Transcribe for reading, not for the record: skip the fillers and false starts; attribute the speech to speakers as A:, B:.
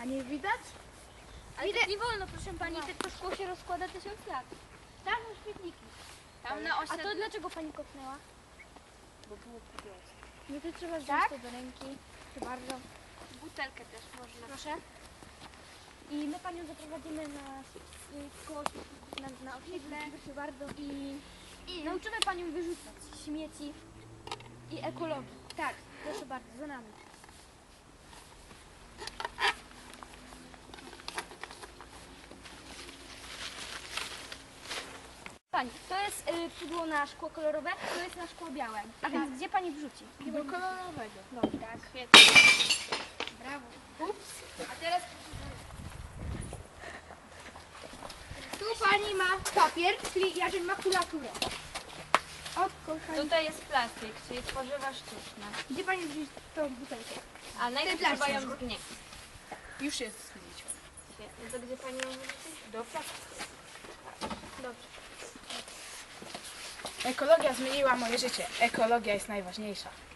A: Nie widać?
B: Ale tak nie wolno, proszę pani, to szkło się rozkłada 1000 lat.
A: Tam są śmietniki.
B: Tam na
A: A
B: osiedlu.
A: to dlaczego pani kopnęła?
C: Bo było pudełko.
A: No to trzeba wziąć
B: Tak?
A: to do ręki. Proszę bardzo.
B: Butelkę też można.
A: Proszę. I my panią zaprowadzimy na koło śmietników, na osiedle. Proszę bardzo. I nauczymy panią wyrzucać śmieci i ekologii. Tak, proszę bardzo, za nami. Pani, to jest pudło na szkło kolorowe, to jest na szkło białe. A więc gdzie pani wrzuci?
C: Do kolorowego.
A: Dobrze, tak.
B: Świetnie.
A: Brawo.
B: A teraz
A: Tu pani ma papier, czyli jakby makulaturę. Od kochani.
B: tutaj jest plastik, czyli tworzywa sztuczne.
A: Gdzie pani wrzuci tą butelkę?
B: A najpierw
A: plastik.
B: trzeba ją zgnieść.
C: Już jest zgniecione.
B: Świetnie. To gdzie pani ją wyrzuci?
C: Do plastiku.
A: Dobrze.
C: Ekologia zmieniła moje życie. Ekologia jest najważniejsza.